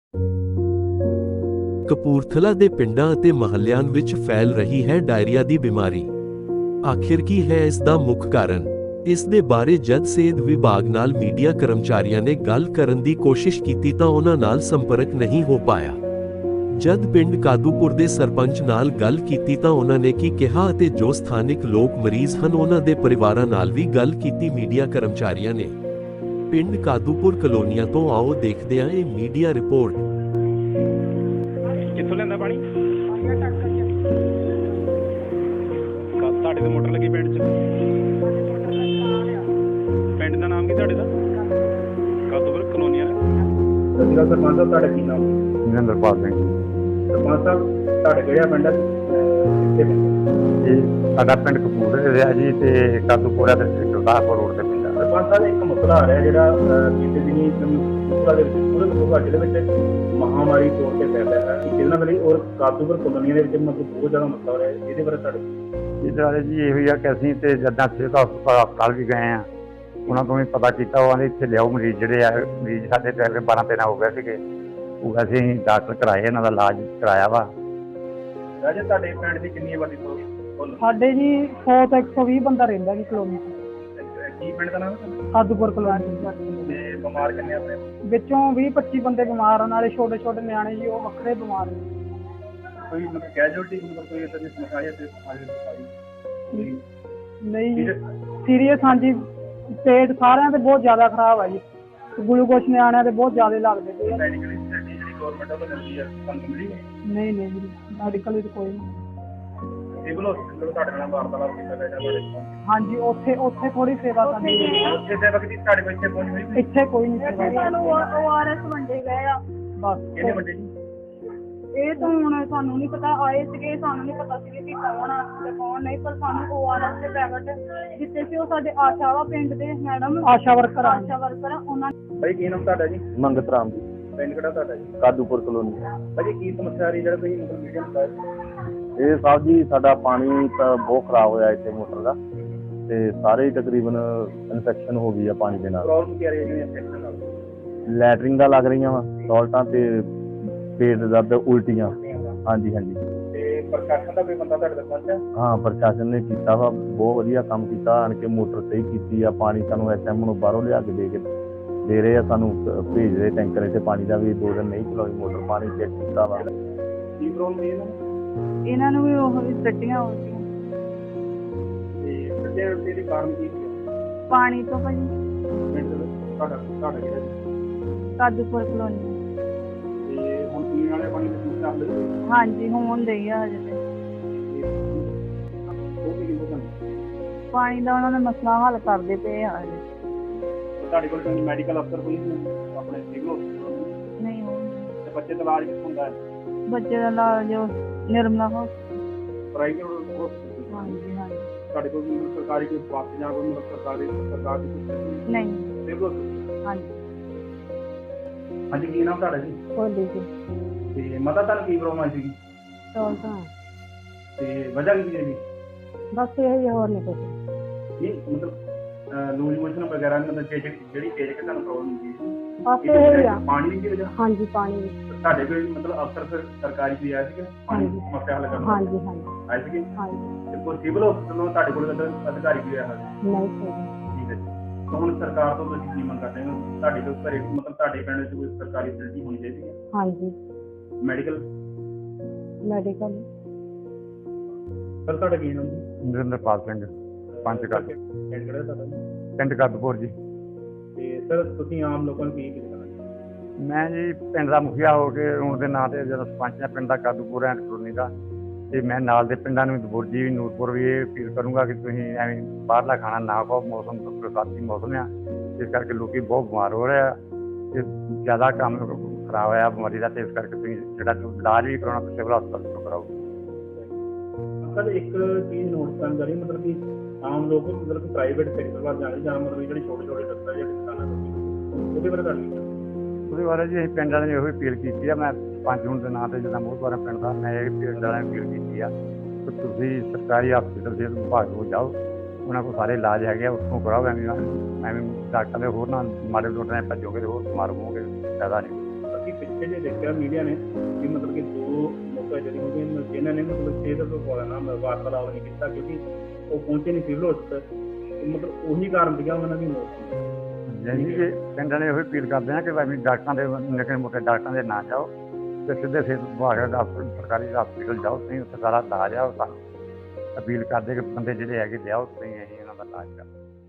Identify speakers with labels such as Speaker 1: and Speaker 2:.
Speaker 1: ਕਪੂਰਥਲਾ ਦੇ ਪਿੰਡਾਂ ਅਤੇ ਮੁਹੱਲਿਆਂ ਵਿੱਚ ਫੈਲ ਰਹੀ ਹੈ ਡਾਇਰੀਆ ਦੀ ਬਿਮਾਰੀ। ਆਖਿਰ ਕੀ ਹੈ ਇਸ ਦਾ ਮੁੱਖ ਕਾਰਨ? ਇਸ ਦੇ ਬਾਰੇ ਜਦ ਸਿਹਤ ਵਿਭਾਗ ਨਾਲ ਮੀਡੀਆ ਕਰਮਚਾਰੀਆਂ ਨੇ ਗੱਲ ਕਰਨ ਦੀ ਕੋਸ਼ਿਸ਼ ਕੀਤੀ ਤਾਂ ਉਹਨਾਂ ਨਾਲ ਸੰਪਰਕ ਨਹੀਂ ਹੋ ਪਾਇਆ। ਜਦ ਪਿੰਡ ਕਾਦੂਪੁਰ ਦੇ ਸਰਪੰਚ ਨਾਲ ਗੱਲ ਕੀਤੀ ਤਾਂ ਉਹਨਾਂ ਨੇ ਕੀ ਕਿਹਾ ਅਤੇ ਜੋ ਸਥਾਨਿਕ ਲੋਕ ਮਰੀਜ਼ ਹਨ ਉਹਨਾਂ ਦੇ ਪਰਿਵਾਰਾਂ ਨਾਲ ਵੀ ਗੱਲ ਕੀਤੀ ਮੀਡੀਆ ਕਰਮਚਾਰੀਆਂ ਨੇ। ਪਿੰਡ ਕਾਦੂਪੁਰ ਕਲੋਨੀਆਂ ਤੋਂ ਆਓ ਦੇਖਦੇ ਹਾਂ ਇਹ ਮੀਡੀਆ ਰਿਪੋਰਟ।
Speaker 2: ਕਿੱਥੋਂ ਲੈਂਦਾ ਪਾਣੀ? ਤੁਹਾਡੇ ਤੇ ਮੋਟਰ ਲੱਗੀ ਪਿੰਡ 'ਚ? ਪਿੰਡ ਦਾ ਨਾਮ ਕੀ ਤੁਹਾਡੇ ਦਾ? ਕਾਦੂਪੁਰ ਕਲੋਨੀਆਂ।
Speaker 3: ਸਤਿ ਸ਼੍ਰੀ ਅਕਾਲ ਸਰਪੰਚ ਸਾਹਿਬ, ਤੁਹਾਡਾ ਕੀ ਨਾਮ?
Speaker 4: ਨਿਰੰਦਰਪਾਲ ਸਿੰਘ।
Speaker 3: ਸਰਪੰਚ ਸਾਹਿਬ, ਤੁਹਾਡਾ ਕਿਹੜਾ ਪਿੰਡ ਹੈ? ਕਿੱਥੇ ਪਿੰਡ?
Speaker 4: ਇਹ ਸਾਡਾ ਪਿੰਡ ਕਪੂਰਥਲੇ ਦੇ ਆ ਜੀ ਤੇ ਕਾਦੂਪੁਰਾ ਦੇ ਗੁਰਦਾਸਪੁਰ ਰੋਡ ਤੇ ਪਿੰਡ ਆ।
Speaker 3: ਸਰਪੰਚ ਸਾਹਿਬ, ਇੱਕ ਮਸਲਾ ਆ ਰਿਹਾ ਜਿਹੜਾ ਬੀਤੇ ਦਿਨੀ ਕਪੂਰਥਲਾ ਦੇ ਵਿੱਚ ਪੂਰੇ ਕਪੂਰਥਲਾ ਜ਼ਿਲ੍ਹੇ ਵਿੱਚ ਮਹਾਮਾਰੀ ਤੌਰ ਤੇ ਫੈਲ ਰਿਹਾ ਹੈ। ਜਿਹਨਾਂ ਵਾਲੀ ਔਰ ਕਾਦੂਪੁਰ ਕਲੋਨੀਆਂ ਦੇ ਵਿੱਚ ਮਤਲਬ ਬਹੁਤ ਜ਼ਿਆਦਾ ਮਸਲਾ ਹੋ ਰਿਹਾ ਹੈ। ਇਹਦੇ ਬਾਰੇ ਤੁਹਾਡੇ
Speaker 4: ਇਹਦੇ ਬਾਰੇ ਜੀ ਇਹੋ ਹੀ ਆ ਕਿ ਅਸੀਂ ਤੇ ਜਦਾਂ ਸਿਹਤ ਹਸਪਤਾਲ ਵੀ ਗਏ ਆ, ਉਹਨਾਂ ਤੋਂ ਵੀ ਪਤਾ ਕੀਤਾ। ਉਹ ਆਂਦੇ ਇੱਥੇ ਲਿਆਓ ਮਰੀਜ਼, ਜਿਹੜੇ ਆ ਮਰੀਜ਼ ਸਾਡੇ ਪਹਿਲੇ 12-13 ਹੋ ਗਏ ਸੀਗੇ। ਉਹ ਵੈਸੇ ਅਸੀਂ ਡਾਕਟਰ ਕਰਾਏ, ਇਹਨਾਂ ਦਾ ਇਲਾਜ ਕਰਾਇਆ ਵਾ।
Speaker 3: ਰਾਜੇ, ਤੁਹਾਡੇ ਪਿੰਡ ਦੀ ਕਿੰਨੀ ਆਬਾਦੀ ਤੋਂ?
Speaker 5: ਸਾਡੇ ਜੀ 100 ਤੋਂ 120 ਬੰਦਾ ਰਹਿੰਦਾ ਜੀ ਕਲੋਨੀ ਚ।
Speaker 3: ਕੀ ਪਿੰਡ ਦਾ ਨਾਮ?
Speaker 5: ਕਾਦੂਪੁਰ ਕਲੋਨੀ।
Speaker 3: ਤੇ ਬਿਮਾਰ ਕਿੰਨੇ ਆਪਣੇ?
Speaker 5: ਵਿੱਚੋਂ 20-25 ਬੰਦੇ ਬਿਮਾਰ ਆ, ਨਾਲੇ ਛੋਟੇ ਛੋਟੇ ਨਿਆਣੇ ਜੀ ਉਹ ਵੱਖਰੇ ਬਿਮਾਰ ਨੇ।
Speaker 3: ਕੋਈ ਮਤਲਬ ਕੈਜੁਅਲਟੀ ਮਤਲਬ ਕੋਈ ਇਦਾਂ ਦੀ ਸਮੱਸਿਆ ਹੈ ਤੇ
Speaker 5: ਨਹੀਂ ਜੀ, ਸੀਰੀਅਸ। ਹਾਂਜੀ, ਪੇਟ ਸਾਰਿਆਂ ਦੇ ਬਹੁਤ ਜ਼ਿਆਦਾ ਖਰਾਬ ਆ ਜੀ। ਗਲੂਕੋਸ਼ ਨਿਆਣਿਆਂ ਦੇ ਬਹੁਤ ਜ਼ਿਆਦਾ ਲੱਗਦੇ ਪਏ।
Speaker 3: ਮੈਡੀਕਲ ਫੈਸਿਲਿਟੀ ਜਿਹੜੀ ਗਵਰਨਮੈਂਟ ਵੱਲੋਂ ਮਿਲਦੀ ਹੈ ਤੁਹਾਨੂੰ ਮਿਲੀ?
Speaker 5: ਨਹੀਂ ਨਹੀਂ ਜੀ, ਮੈਡੀਕਲ ਵਿੱਚ ਕੋਈ ਨਹੀਂ।
Speaker 3: ਸਿਵਲ ਹਸਪੀਟਲ ਤੁਹਾਡੇ ਨਾਲ ਵਾਰਤਾਲਾਪ ਕੀਤਾ ਗਿਆ ਤੁਹਾਡੇ?
Speaker 5: ਹਾਂਜੀ, ਉੱਥੇ ਥੋੜੀ ਸੇਵਾ ਕਰਨੀ ਹੈ।
Speaker 3: ਉੱਥੇ ਸੇਵਾ ਕੀਤੀ ਤੁਹਾਡੇ ਕੋਲ? ਇੱਥੇ ਪਹੁੰਚ ਹੋਈ?
Speaker 5: ਇੱਥੇ ਕੋਈ ਨਹੀਂ ਸੇਵਾ।
Speaker 6: ਸਾਨੂੰ ORS ਵੰਡੇ ਗਏ ਆ
Speaker 5: ਬਸ।
Speaker 3: ਕਿਹਨੇ ਵੱਡੇ ਜੀ?
Speaker 6: ਇਹ ਤਾਂ ਹੁਣ ਸਾਨੂੰ ਨਹੀਂ ਪਤਾ, ਆਏ ਸੀਗੇ, ਸਾਨੂੰ ਨਹੀਂ ਪਤਾ ਸੀ ਕਿ ਕੌਣ ਆ ਤੇ ਕੌਣ ਨਹੀਂ, ਪਰ ਸਾਨੂੰ ORS ਦੇ ਪੈਕਟ ਦਿੱਤੇ ਸੀ। ਉਹ ਸਾਡੇ ਆਸ਼ਾ ਵਾ ਪਿੰਡ ਦੇ ਮੈਡਮ,
Speaker 5: ਆਸ਼ਾ ਵਰਕਰ ਆ।
Speaker 6: ਉਹਨਾਂ
Speaker 3: ਭਾਈ ਕੀ ਨਾਮ ਤੁਹਾਡਾ ਜੀ?
Speaker 4: ਮੰਗਤ ਰਾਮ ਜੀ,
Speaker 3: ਪਿੰਡ ਕਿਹੜਾ ਤੁਹਾਡਾ ਜੀ?
Speaker 4: ਕਾਦੂਪੁਰ ਕਲੋਨੀ।
Speaker 3: ਭਾਜੀ ਕੀ ਸਮੱਸਿਆ ਆ ਰਹੀ ਜਿਹੜਾ ਤੁਸੀਂ ਮਤਲਬ ਮੀਡੀਆ ਨੂੰ ਦੱਸਿਆ?
Speaker 4: ਇਹ ਸਾਹਿਬ ਜੀ, ਸਾਡਾ ਪਾਣੀ ਤਾਂ ਬਹੁਤ ਖਰਾਬ ਹੋਇਆ ਇੱਥੇ ਮੋਟਰ ਦਾ, ਤੇ ਸਾਰੇ ਹੀ ਤਕਰੀਬਨ ਇਨਫੈਕਸ਼ਨ ਹੋ ਗਈ ਆ ਪਾਣੀ ਦੇ ਨਾਲ।
Speaker 3: ਪ੍ਰੋਬਲਮ ਕੀ ਆ ਰਹੀ ਹੈ ਜਿਹੜੀ ਇਨਫੈਕਸ਼ਨ ਨਾਲ?
Speaker 4: ਲੈਟਰਿੰਗ ਦਾ ਲੱਗ ਰਹੀਆਂ ਵਾ, ਸੌਲਟਾਂ ਤੇ ਪੇਟ ਦਰਦ, ਉਲਟੀਆਂ। ਹਾਂਜੀ ਹਾਂਜੀ।
Speaker 3: ਤੇ ਪ੍ਰਸ਼ਾਸਨ ਦਾ ਕੋਈ ਬੰਦਾ ਤੁਹਾਡੇ ਤੱਕ ਪਹੁੰਚਿਆ?
Speaker 4: ਹਾਂ, ਪ੍ਰਸ਼ਾਸਨ ਨੇ ਕੀਤਾ ਵਾ, ਬਹੁਤ ਵਧੀਆ ਕੰਮ ਕੀਤਾ। ਆਣ ਕੇ ਮੋਟਰ ਸਹੀ ਕੀਤੀ ਆ। ਪਾਣੀ ਸਾਨੂੰ SM ਨੂੰ ਬਾਹਰੋਂ ਲਿਆ ਕੇ ਦੇ ਰਹੇ ਆ, ਸਾਨੂੰ ਭੇਜ ਰਹੇ ਟੈਂਕਰ ਇੱਥੇ ਪਾਣੀ ਦਾ ਵੀ। 2 ਦਿਨ ਨਹੀਂ ਚਲਾਈ ਮੋਟਰ, ਪਾਣੀ ਚੈੱਕ ਕੀਤਾ ਵਾ।
Speaker 3: ਕੀ ਪ੍ਰੋਬਲਮ ਹੈ
Speaker 6: ਇਹਨਾਂ ਨੂੰ ਵੀ ਉਹ ਵੀ ਟੱਟੀਆਂ ਹੋ ਗਈਆਂ
Speaker 3: ਤੇ ਵੱਡੇ ਰੋਟੀ ਦੇ ਕਾਰਨ ਕੀ ਸੀ?
Speaker 6: ਪਾਣੀ ਤੋਂ ਭਾਜੀ।
Speaker 3: ਪਿੰਡ ਦੇ ਵਿੱਚ ਤੁਹਾਡਾ ਕਿਹੜਾ ਜੀ?
Speaker 6: ਕਾਦੂਪੁਰ ਕਲੋਨੀ।
Speaker 3: ਤੇ ਹੁਣ ਪੀਣ ਵਾਲੇ ਪਾਣੀ ਦੀ ਸਮੱਸਿਆ ਹੱਲ ਹੋਈ?
Speaker 6: ਹਾਂਜੀ, ਹੋਣ ਡਈ ਆ ਹਜੇ ਤੇ।
Speaker 3: ਉਹ ਵੀ ਕਿੰਨੇ ਤੁਹਾਨੂੰ
Speaker 6: ਪਾਣੀ ਦਾ ਉਹਨਾਂ ਨੇ ਮਸਲਾ ਹੱਲ ਕਰਦੇ ਪਏ ਆ ਹਜੇ।
Speaker 3: ਤੁਹਾਡੇ ਕੋਲ ਕੋਈ ਮੈਡੀਕਲ ਅਫਸਰ ਕੋਈ ਨਹੀਂ ਆਪਣੇ ਸਿਵਲ ਹਸਪਤਾਲ?
Speaker 6: ਨਹੀਂ ਹੋਣ।
Speaker 3: ਤੇ ਬੱਚੇ ਦਾ ਇਲਾਜ ਕਿੱਥੋਂ ਹੁੰਦਾ ਹੈ?
Speaker 6: ਬੱਚੇ ਦਾ ਇਲਾਜ ਜੋ ਨਿਰਮਲਾ ਹੋ।
Speaker 3: ਪ੍ਰਾਈਵੇਟ ਹਸਪਤਾਲ?
Speaker 6: ਹਾਂਜੀ ਹਾਂਜੀ।
Speaker 3: ਤੁਹਾਡੇ ਕੋਲ ਵੀ ਸਰਕਾਰੀ ਕੋਈ ਵਾਪਸ ਜਾਂ ਕੋਈ ਮਤਲਬ ਸਰਕਾਰ ਦੀ
Speaker 6: ਨਹੀਂ।
Speaker 3: ਸਿਵਲ ਹਸਪਤਾਲ?
Speaker 6: ਹਾਂਜੀ।
Speaker 3: ਹਾਂਜੀ, ਕੀ ਨਾਮ ਤੁਹਾਡਾ ਜੀ?
Speaker 5: ਕੋਈ ਜੀ
Speaker 3: ਤੇ ਮਤਾ ਤੁਹਾਨੂੰ ਕੀ ਪ੍ਰੋਬਲਮ ਆਈ ਸੀਗੀ
Speaker 5: ਚੌਲ ਤਾਂ
Speaker 3: ਤੇ ਵਜ੍ਹਾ ਕੀ ਹੈ ਜੀ?
Speaker 5: ਬਸ ਇਹ ਹੀ, ਹੋਰ ਨਹੀਂ ਕੁਛ।
Speaker 3: ਨਹੀਂ ਮਤਲਬ ਲੂਜ਼ ਮੋਸ਼ਨ ਵਗੈਰਾ ਮਤਲਬ ਜਿਹੜੀ ਤੇਜ਼ ਕਿ ਤੁਹਾਨੂੰ ਪ੍ਰੋਬਲਮ ਹੁੰਦੀ ਹੈ?
Speaker 5: ਬਸ ਇਹ ਹੀ ਆ।
Speaker 3: ਪਾਣੀ ਦੀ ਵਜ੍ਹਾ?
Speaker 5: ਹਾਂਜੀ, ਪਾਣੀ।
Speaker 3: ਤੁਹਾਡੇ ਕੋਈ ਮਤਲਬ ਅਫਸਰ ਫਿਰ ਸਰਕਾਰੀ ਕੋਈ ਆਇਆ ਸੀਗਾ ਪਾਣੀ ਦੀ ਸਮੱਸਿਆ ਹੱਲ ਕਰਨ?
Speaker 5: ਹਾਂਜੀ ਹਾਂਜੀ
Speaker 3: ਆਏ ਸੀਗੇ?
Speaker 5: ਹਾਂਜੀ।
Speaker 3: ਤੇ ਕੋਈ ਸਿਵਲ ਹਸਪਤਾਲੋਂ ਤੁਹਾਡੇ ਕੋਲ ਅਧਿਕਾਰੀ ਕੋਈ ਆਇਆ ਹੋਇਆ?
Speaker 5: ਨਹੀਂ ਸਹੀ।
Speaker 3: ਠੀਕ ਹੈ ਜੀ। ਤਾਂ ਹੁਣ ਸਰਕਾਰ ਤੋਂ ਤੁਸੀਂ ਕੀ ਮੰਗ ਕਰਦੇ ਹੋ? ਤੁਹਾਡੇ ਕੋਲ ਘਰੇ ਮਤਲਬ ਤੁਹਾਡੇ ਪਿੰਡ ਵਿੱਚ ਕੋਈ ਸਰਕਾਰੀ ਫੈਸਿਲਿਟੀ ਹੋਣੀ ਚਾਹੀਦੀ ਹੈ?
Speaker 5: ਹਾਂਜੀ,
Speaker 3: ਮੈਡੀਕਲ?
Speaker 5: ਮੈਡੀਕਲ।
Speaker 3: ਸਰ ਤੁਹਾਡਾ ਕੀ ਨਾਮ ਜੀ?
Speaker 4: ਨਿਰੰਦਰਪਾਲ ਸਿੰਘ, ਪੰਚ ਕੱਦ,
Speaker 3: ਪਿੰਡ ਕਿਹੜਾ ਤੁਹਾਡਾ?
Speaker 4: ਪਿੰਡ ਕਾਦੂਪੁਰ ਜੀ।
Speaker 3: ਤੇ ਸਰ ਤੁਸੀਂ ਆਮ ਲੋਕਾਂ ਨੂੰ ਕੀ ਕਹਿਣਾ?
Speaker 4: ਮੈਂ ਜੀ ਪਿੰਡ ਦਾ ਮੁਖੀਆ ਹੋ ਕੇ ਹੁਣ ਦੇ ਨਾਂ ਤੇ ਜਦੋਂ ਸਰਪੰਚ ਆ ਪਿੰਡ ਦਾ ਕਾਦੂਪੁਰ ਐਂਡ ਕਲੋਨੀ ਦਾ, ਤੇ ਮੈਂ ਨਾਲ ਦੇ ਪਿੰਡਾਂ ਨੂੰ ਦਬੁਰਜੀ ਵੀ, ਨੂਰਪੁਰ ਵੀ ਇਹ ਅਪੀਲ ਕਰੂੰਗਾ ਕਿ ਤੁਸੀਂ ਐਵੇਂ ਬਾਹਰਲਾ ਖਾਣਾ ਨਾ ਖਾਓ। ਮੌਸਮ ਬਰਸਾਤੀ ਮੌਸਮ ਆ, ਇਸ ਕਰਕੇ ਲੋਕੀ ਬਹੁਤ ਬਿਮਾਰ ਹੋ ਰਹੇ ਆ ਤੇ ਜ਼ਿਆਦਾ ਕੰਮ ਖਰਾਬ ਹੋਇਆ ਬਿਮਾਰੀ ਦਾ, ਤੇ ਇਸ ਕਰਕੇ ਤੁਸੀਂ ਜਿਹੜਾ ਇਲਾਜ ਵੀ ਕਰਾਉਣਾ ਤਾਂ ਸਿਵਲ ਹਸਪਤਾਲ ਤੋਂ ਕਰਾਓ।
Speaker 3: ਸਰ ਇੱਕ ਚੀਜ਼ ਨੋਟ ਕਰਨ ਜਾ ਰਹੀ ਮਤਲਬ ਕਿ ਆਮ ਲੋਕ ਮਤਲਬ ਕਿ ਪ੍ਰਾਈਵੇਟ ਸੈਕਟਰ ਵੱਲ ਜਾਣੇ ਜਾਂ ਮਤਲਬ ਜਿਹੜੇ ਛੋਟੇ ਛੋਟੇ ਦਫ਼ਤਰ ਜਾਂ ਦੁਕਾਨਾਂ ਉਹਦੇ ਬਾਰੇ ਤੁਹਾਡੀ
Speaker 4: ਉਹਦੇ ਬਾਰੇ ਜੀ ਅਸੀਂ ਪਿੰਡ ਵਾਲਿਆਂ ਨੇ ਇਹੋ ਅਪੀਲ ਕੀਤੀ ਆ। ਮੈਂ ਪੰਜ ਹੁਣ ਦੇ ਨਾਂ ਤੇ ਜਿੱਦਾਂ ਬਹੁਤ ਵਾਰ ਪਿੰਡ ਦਾ ਮੈਂ ਇਹ ਪਿੰਡ ਵਾਲਿਆਂ ਨੂੰ ਅਪੀਲ ਕੀਤੀ ਆ ਕਿ ਤੁਸੀਂ ਸਰਕਾਰੀ ਹਸਪਤਾਲ ਸਿਹਤ ਵਿਭਾਗ ਕੋਲ ਜਾਓ, ਉਹਨਾਂ ਕੋਲ ਸਾਰੇ ਇਲਾਜ ਹੈਗੇ ਆ, ਉੱਥੋਂ ਕਰਾਓ। ਐਵੇਂ ਡਾਕਟਰ ਦੇ ਹੋਰ ਨਾ ਮਾੜੇ ਡਾਕਟਰਾਂ ਨੇ ਭੱਜੋਗੇ ਤੇ ਹੋਰ ਬਿਮਾਰ ਹੋਵੋਗੇ, ਫਾਇਦਾ ਨਹੀਂ।
Speaker 3: ਅਸੀਂ ਪਿੱਛੇ ਜੇ ਦੇਖਿਆ ਮੀਡੀਆ ਨੇ ਕਿ ਮਤਲਬ ਕਿ 2 ਲੋਕ ਜਿਹੜੇ ਹੁੰਦੇ ਨੇ ਜਿਨ੍ਹਾਂ ਨੇ ਮਤਲਬ ਸਿਹਤ ਵਿਭਾਗ ਨਾਲ ਵਾਰਤਾਲਾਪ ਨਹੀਂ ਕੀਤਾ ਕਿਉਂਕਿ ਉਹ ਪਹੁੰਚੇ ਨਹੀਂ ਸਿਵਲ ਹਸਪਤਾਲ, ਮਤਲਬ ਉਹੀ ਕਾਰਨ ਸੀਗਾ ਉਹਨਾਂ ਦੀ ਮੌਤ ਦਾ।
Speaker 4: ਜਾਨੀ ਕਿ ਪਿੰਡ ਵਾਲੇ ਇਹੋ ਅਪੀਲ ਕਰਦੇ ਆ ਕਿ ਭਾਵੇਂ ਡਾਕਟਰਾਂ ਦੇ ਨਿੱਕੇ ਮੋਟੇ ਡਾਕਟਰਾਂ ਦੇ ਨਾ ਜਾਓ ਤੇ ਸਿੱਧੇ ਸਿਹਤ ਵਿਭਾਗ ਦਾ ਸਰਕਾਰੀ ਹਸਪਤਾਲ ਜਾਓ, ਤੁਸੀਂ ਉੱਥੇ ਸਾਰਾ ਇਲਾਜ ਆ। ਉਹ ਸਾਨੂੰ ਅਪੀਲ ਕਰਦੇ ਕਿ ਬੰਦੇ ਜਿਹੜੇ ਹੈਗੇ ਲਿਆਓ, ਤੁਸੀਂ ਅਸੀਂ ਉਹਨਾਂ ਦਾ ਇਲਾਜ ਕਰੋ।